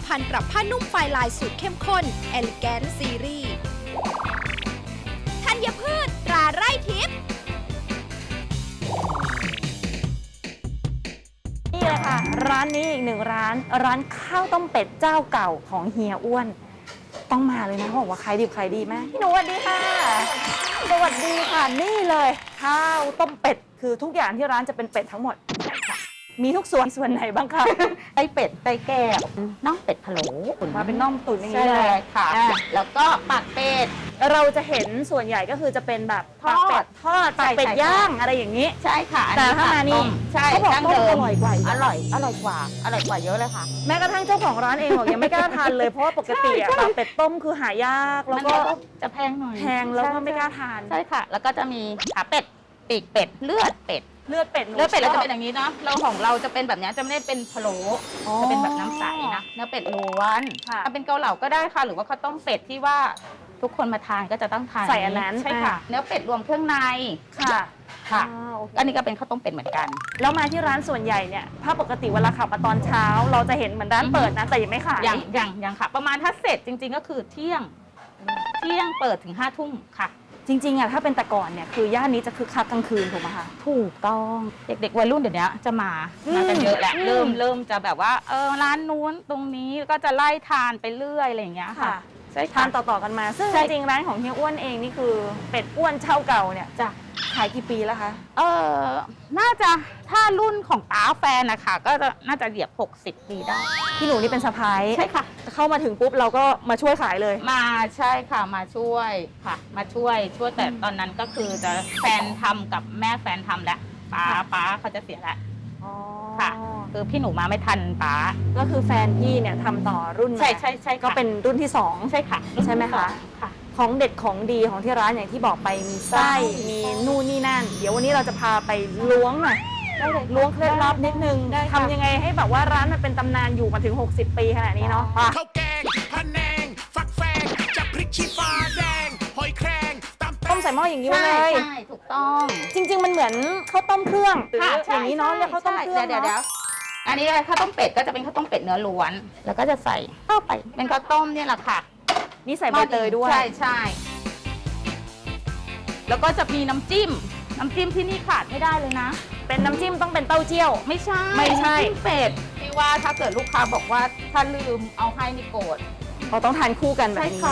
ภัณฑ์ปรับผ้านุ่มไฟลายสูตรเข้มข้น Elegant Series ธัญพืชตราไร่ทิพย์นี่เลยค่ะร้านนี้อีกหนึ่งร้านข้าวต้มเป็ดเจ้าเก่าของเฮียอ้วนต้องมาเลยนะเขาบอกว่าขายดีมากพี่หนูสวัสดีค่ะสวัสดีค่ะนี่เลยข้าวต้มเป็ดคือทุกอย่างที่ร้านจะเป็นเป็ดทั้งหมดมีทุกส่วนไหนบ้างคะไส้เป็ดไส้แก้วน่องเป็ดพะโล้มาเป็นน่องตุ๋นอย่างใช่นี้เลเลยยค่ะ แล้วก็ปากเป็ดเราจะเห็นส่วนใหญ่ก็คือจะเป็นแบบทอดปากเป็ดทอดปากเป็ดใช่ย่างอะไรอย่างนี้ใช่ค่ะอันแต่นี้ถ้ามานี่ใช่เขาบอกดั้งต้มเดิมอร่อยกว่าอีกอร่อยกว่าเยอะเลยค่ะแม้กระทั่งเจ้าของร้านเองบอกยังไม่กล้าทานเลยเพราะว่าปกติอะปากเป็ดต้มคือหายากแล้วก็มันจะแพงหน่อยแพงแล้วก็ไม่กล้าทานใช่ค่ะ แล้วก็จะมีขาเป็ดปีกเป็ดเลือดเป็ดเลือดเป็ดหนูเลือดเป็ดเราชจะอบเป็นอย่างนี้เนาะเราของเราจะเป็นแบบนี้จะไม่ได้เป็นพะโล้อ๋อจะเป็นแบบน้ำใสนะเนื้อเป็ดล้วนค่ะถ้าเป็นเกาเหลาก็ได้ค่ะหรือว่าข้าวต้มเป็ดที่ว่าทุกคนมาทานก็จะต้องทานใส่อันนั้นใช่ค่ะ เนื้อเป็ดรวมเครื่องในค่ะค่ะโอเคอันนี้ก็เป็นข้าวต้มเป็ดเหมือนกันแล้วมาที่ร้านส่วนใหญ่เนี่ยถ้าปกติเวลาขับมาตอนเช้า เราจะเห็นเหมือนร้านเปิดนะแต่ยังไม่ขายอย่างค่ะ ประมาณถ้าเสร็จจริง ๆ ก็คือเที่ยงเปิดถึง5 ทุ่มค่ะจริงๆอะถ้าเป็นแต่ก่อนเนี่ยคือย่านนี้จะคึกคักกลางคืนถูกไหมคะถูกต้องเด็กๆวัยรุ่นเดี๋ยวนี้จะมากันเยอะแหละอืมเริ่มจะแบบว่าร้านนู้นตรงนี้ก็จะไล่ทานไปเรื่อยอะไรอย่างเงี้ยค่ะใช่ทาค่ะนต่อๆกันมา ซึ่งใช่จริงๆร้านของเฮียอ้วนเองนี่คือเป็ดอ้วนเช่าเก่าเนี่ยจ้ะขายกี่ปีแล้วคะน่าจะถ้ารุ่นของป้าแฟนนะคะก็จะน่าจะเหยียบ60 ปีได้พี่หนูนี่เป็นสะพ้ายใช่ค่ะเข้ามาถึงปุ๊บเราก็มาช่วยขายเลยมาใช่ค่ะมาช่วยค่ะ มาช่วยแต่ตอนนั้นก็คือจะแฟนทำกับแม่แฟนทำแล้วป้าเขาจะเสียแล้ว ค่ะ คือพี่หนูมาไม่ทันป้าก็คือแฟนพี่เนี่ยทำต่อรุ่นมาใช่ค่ะก็เป็นรุ่นที่สองใช่ค่ะใช่ไหมคะค่ะของเด็ดของดีของที่ร้านอย่างที่บอกไปมีไส้มีนู่นนี่นั่น เดี๋ยววันนี้เราจะพาไปล้วงหน่อยได้เลยล้วงเคล็ดลับนิดนึงได้ค่ะทำยังไงให้แบบว่าร้านมันเป็นตำนานอยู่มาถึง 60 ปีขนาดนี้เนาะข้าวแกงพะแนง ฟักแฟงจับพริกชี้ฟ้าแดง หอยแครงตำต้มใส่หม้ออย่างนี้ไว้เลยใช่ถูกต้องจริง ๆ มันเหมือนข้าวต้มเครื่องหรือค่ะอย่างนี้เนาะเรียกข้าวต้มเครื่องเดี๋ยวเนาะอันนี้ข้าวต้มเป็ดก็จะเป็นข้าวต้มเป็ดเนื้อล้วน แล้วก็จะใส่เข้าไปเป็นข้าวต้มเนี่ยแหละค่ะนี่ใส่ใบเตยด้วยใช่แล้วก็จะมีน้ำจิ้มที่นี่ขาดไม่ได้เลยนะเป็นน้ำจิ้มต้องเป็นเต้าเจี้ยวไม่ใช่ไม่ใช่น้ำจิ้มเป็ดที่ว่าถ้าเกิดลูกค้าบอกว่าถ้าลืมเอาให้นี่โกรธเราต้องทานคู่กันแบบใช่นี้ค่ะ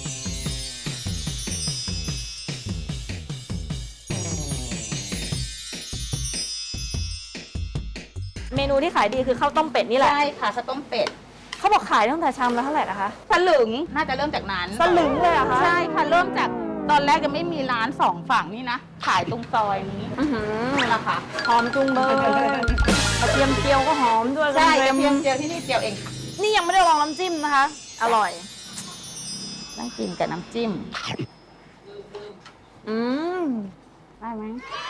เมนูที่ขายดีคือข้าวต้มเป็ดนี่แหละใช่ค่ะข้าวต้มเป็ดเขาบอกขายตั้งแต่ชามละเท่าไหร่นะคะสลึงน่าจะเริ่มจากนั้นสลึงเลยเหรอคะใช่ค่ะเริ่มจากตอนแรกยังไม่มีร้าน2 ฝั่งนี่นะขายตรงซอยนี้อื้อหือนี่แหละค่ะหอมจุงเบยกระเทียมเจียวก็หอมด้วยใช่กกระระเทีเทียยมมเจียวที่นี่เจียวเองนี่ยังไม่ได้ลองน้ำจิ้มนะคะ อร่อยต้องกินกับน้ำจิ้มอืมได้ไหม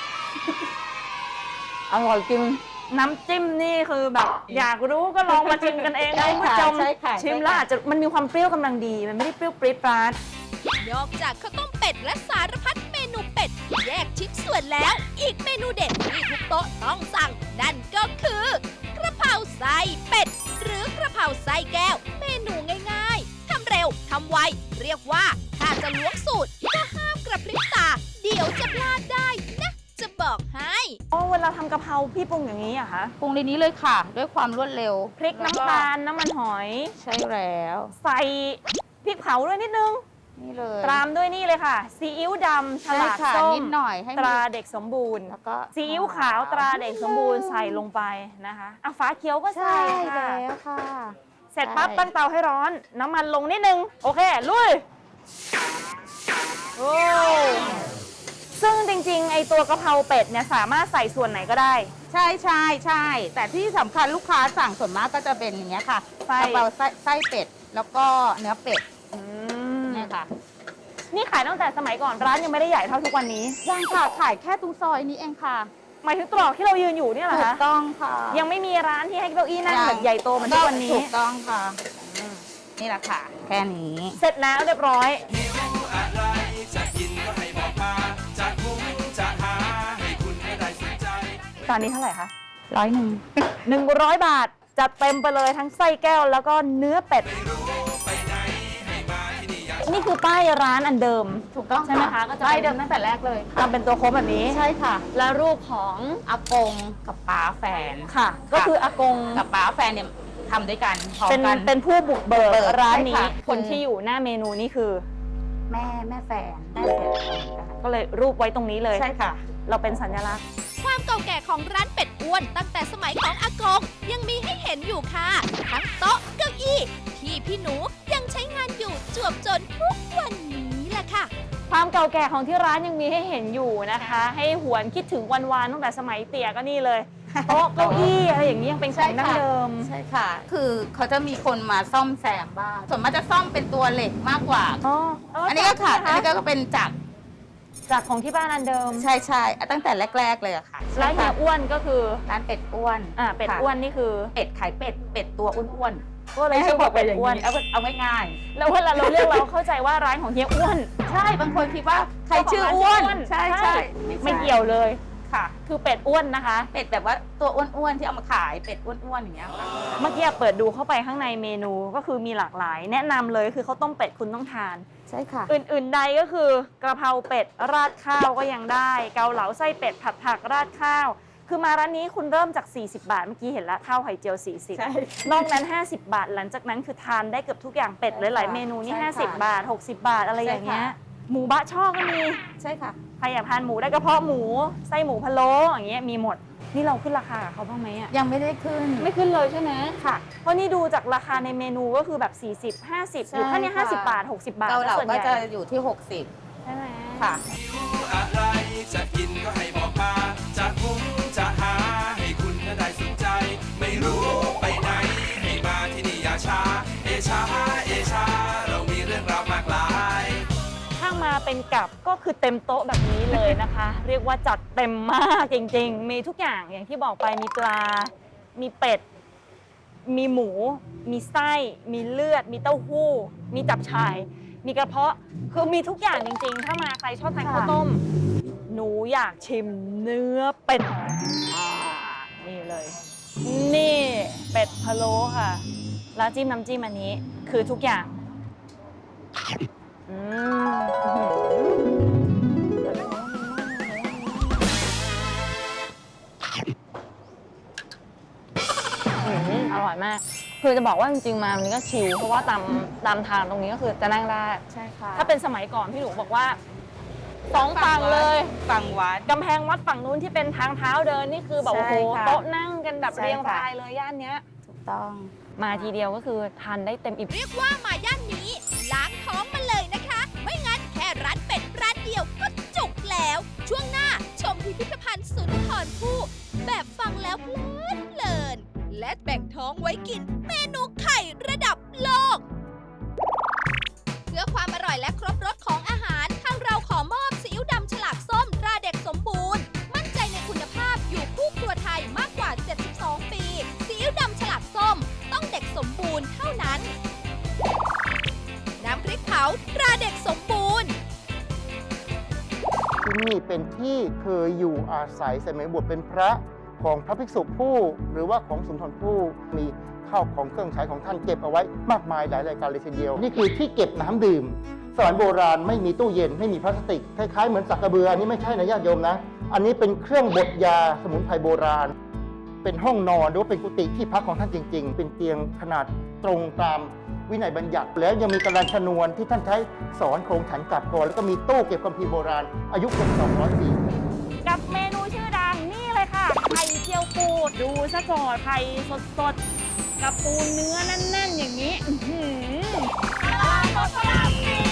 อร่อยจริง น้ำจิ้มนี่คือแบบ อยากรู้ก็ลองมาชิมกันเองใช่นะคุณผู้ค่ะชมใช่ค่ะชิมแล้วอาจจะมันมีความเปรี้ยวกำลังดี มันไม่ได้เปรี้ยวปรี๊ดปราดนอกจากข้าวต้มเป็ดและสารพัดเมนูเป็ดที่แยกชิ้นส่วนแล้ว อีกเมนูเด็ดที่ทุกโต๊ะต้องสั่ง นั่นก็คือกระเพราไส้เป็ด หรือกระเพราไส้แก้ว เมนูง่ายๆทำเร็วทำไว เรียกว่าถ้าจะล้วงสูตรก็ห้ามกระพริบตา เดี๋ยวจะพลาดได้นะ จะบอกให้อ๋อเวลาทำกะเพราพี่ปรุงอย่างนี้เหรอะคะปรุงในนี้เลยค่ะ ด้วยความรวดเร็วพริกน้ำตาลน้ำมันหอยใช่แล้วใส่พริกเผาด้วยนิดนึงนี่เลยตามด้วยนี่เลยค่ะ ซีอิ๊วดำฉใช่ลากค่ะส้มนิดหน่อยให้ตมันราเด็กสมบูรณ์แล้วก็ซีอิ๊วขาวตราเด็กสมบูรณ์ใส่ลงไปนะคะอ่ะฟ้าเขียวก็ใส่ใช่ค่ะแล้วค่ะเสร็จปั๊บใช่ตั้งเตาให้ร้อน น้ำมันลงนิดนึง โอเค ลุย โอ้ซึ่งจริงๆ ไอตัวกะเพราเป็ดเนี่ยสามารถใส่ส่วนไหนก็ได้ใช่แต่ที่สำคัญลูกค้าสั่งส่วนมากก็จะเป็นอย่างเงี้ยค่ะไส้กะเพราไส้เป็ด แล้วก็เนื้อเป็ดอืมเนี่ยค่ะนี่ขายตั้งแต่สมัยก่อนร้านยังไม่ได้ใหญ่เท่าทุกวันนี้ยังค่ะขายแค่ตรงซอยนี้เองค่ะหมายถึงตรอกที่เรายืนอยู่เนี่ยเหรอถูคะกต้องค่ะยังไม่มีร้านที่ให้เก้าอี้นั่งแบบใหญ่โตเหมือนทุกวันนี้ถูกต้องค่ะนี่แหละค่ะ แค่นี้เสร็จแล้วเรียบร้อยหิวอะไรจะกินก็ให้บอกมา จะหุงจะหาให้คุณไม่ได้สนใจตอนนี้เท่าไหร่คะ 100 100 บาทจัดเต็มไปเลยทั้งไส้แก้วแล้วก็เนื้อเป็ด นี่คือป้ายร้านอันเดิมถูกต้องใช่ไหมคะก็จะได้เป็นเดิมตั้งแต่แรกเลยทำเป็นตัวโค้งแบบนี้ใช่ค่ะแล้วรูปของอากงกับป้าแฟนค่ะ ก็คืออากงกับป้าแฟนเนี่ยทำด้วยกันพร้อมเป็นกันเป็นผู้บุกเบิกเบิกร้านใช่นี้ค่ะคนที่อยู่หน้าเมนูนี่คือแม่แฟนได้เสร็จเหมือนกันก็เลยรูปไว้ตรงนี้เลยใช่ค่ะเราเป็นสัญลักษณ์ความเก่าแก่ของร้านเป็ดอ้วนตั้งแต่สมัยของอากงยังมีให้เห็นอยู่ค่ะ ทั้งโต๊ะเก้าอี้ที่พี่หนูยังใช้งานอยู่จวบจนทุกวันนี้แหละค่ะความเก่าแก่ของที่ร้านยังมีให้เห็นอยู่นะคะ ให้หวนคิดถึงวันๆตั้งแต่สมัยเตี่ยก็นี่เลยโต๊ะเก้าอี้อะไรอย่างนี้ยังเป็นของดั้งเดิมใช่ค่ะ คือเขาจะมีคนมาซ่อมแซมบ้างส่วนมากจะซ่อมเป็นตัวเหล็กมากกว่าอ๋ออันนี้ก็ค่ะ อันนี้ก็ก็เป็นจากจากของที่บ้านอันเดิมใช่ใช่ตั้งแต่แรก ๆ เลยอะค่ะร้านเฮียอ้วนก็คือร้านเป็ดอ้วนเป็ดค่ะอ้วนนี่คือเป็ดขายเป็ด เป็ดตัวอ้วนก็เลยชื่อว่าเป็ดอ้วนเอาง่ายแล้วเวลาเราเรียกเราเข้าใจว่าร้านของเฮียอ้วนๆใช่ บางคนคิดว่าใครชื่ออ้วน ใช่ใช่ไม่เกี่ยวเลยค่ะคือเป็ดอ้วนนะคะเป็ดแบบว่าตัวอ้วนๆที่เอามาขายเป็ดอ้วนๆอย่างเงี้ยค่ะเมื่อกี้เปิดดูเข้าไปข้างในเมนูก็คือมีหลากหลาย แนะนำเลยคือข้าวต้มเป็ดคุณต้องทานใช่ค่ะอื่นๆใดก็คือกระเพราเป็ดราดข้าวก็ยังได้ เกาเหลาไส้เป็ดผัดผักราดข้าว คือมาร้านนี้คุณเริ่มจาก 40 บาท เมื่อกี้เห็นแล้วข้าวไข่เจียวใช่ 40 นอกนั้น 50 บาท หลังจากนั้นคือทานได้เกือบทุกอย่างเป็ดหลายๆเมนูนี่ใช่ค่ะ 50 บาท 60 บาทอะไรอย่างเงี้ยใช่ค่ะหมูบะช่อก็มีใช่ค่ะใครอยากทานหมูได้กระเพาะหมูไส้หมูพะโล้อย่างเงี้ยมีหมด นี่เราขึ้นราคากับเขาบ้างไหมอ่ะยังไม่ได้ขึ้นไม่ขึ้นเลยใช่ไหมค่ะเพราะนี่ดูจากราคาในเมนูก็คือแบบ 40 50 อยู่แค่เนี้ใช่ค่ะ 50 บาท 60 บาทเกาเหลาส่วนก็ใหญ่จะอยู่ที่ใช่ไหม 60 ค่ะอะไรจะกินก็ให้บอกมา จะคุ้มจะหาให้คุณน่ะได้สนใจ ไม่รู้ไปไหน ให้มาที่นี่อย่าช้า เอชา เอชา เรามีเรื่องราวมากมายถ้ามาเป็นกับก็คือเต็มโต๊ะแบบนี้เลยนะคะ เรียกว่าจัดเต็มมากจริงๆ มีทุกอย่างอย่างที่บอกไปมีปลา มีเป็ด มีหมู มีไส้ มีเลือด มีเต้าหู้ มีจับฉ่าย มีกระเพาะ คือมีทุกอย่างจริงๆ ถ้ามาใครชอบทานข้าวต้ม หนูอยากชิมเนื้อเป็ดนี่เลย นี่เป็ดพะโล้ค่ะ แล้วจิ้มน้ำจิ้มอันนี้คือทุกอย่าง อืมอร่อยมาก คือจะบอกว่าจริงๆมาวันนี้ก็ชิลเพราะว่าตามทางตรงนี้ก็คือจะนั่งได้ใช่ค่ะถ้าเป็นสมัยก่อนพี่หนูบอกว่าสองฝั่งเลยฝั่งวัดกำแพงวัดฝั่งนู้นที่เป็นทางเท้าเดินนี่คือแบบใช่โอ้โหค่ะโต๊ะนั่งกันแบบใช่เรียงค่ะรายเลยย่านเนี้ยถูกต้องมาทีเดียวก็คือทานได้เต็มอิ่มเรียกว่ามาย่านนี้ล้างท้องมาเลยนะคะ ไม่งั้นแค่ร้านเป็ดร้านเดียวก็จุกแล้ว ช่วงหน้าชมพิพิธภัณฑ์สุนทรภู่แบบฟังแล้วเพลินๆและแบ่งท้องไว้กินเมนูไข่ระดับโลก เพื่อความอร่อยและครบรสของอาหารทางเราขอมอบซีอิ๊วดำฉลากส้มตราเด็กสมบูรณ์ มั่นใจในคุณภาพอยู่คู่ครัวไทยมากกว่า 72 ปีซีอิ๊วดำฉลากส้มต้องเด็กสมบูรณ์เท่านั้น น้ำพริกเผาตราเด็กสมบูรณ์ที่นี่เป็นที่เคยอยู่อาศัยสมัยบวชเป็นพระของพระภิกษุผู้ หรือว่าของสุนทรภู่มีข้าวของเครื่องใช้ของท่านเก็บเอาไว้มากมายหลายรายการเลยทีเดียว นี่คือที่เก็บน้ำดื่มสมัยโบราณไม่มีตู้เย็นไม่มีพลาสติกคล้ายๆเหมือนสักกระเบืออันนี้ไม่ใช่นะญาติโยมนะ อันนี้เป็นเครื่องบดยาสมุนไพรโบราณ เป็นห้องนอนหรือว่าเป็นกุฏิที่พักของท่านจริง ๆ เป็นเตียงขนาดตรงตามวินัยบัญญัติ แล้วยังมีกระดานชนวนที่ท่านใช้สอนโครงฉันกลับก่อนแล้วก็มีตู้เก็บคัมภีร์โบราณอายุเกือบ200 ปีกับเมนูชื่อดังนี่เลยค่ะไข่เจียวปูดูซะก่อนไข่สดๆกับปูเนื้อแน่นๆอย่างนี้อื้อหือ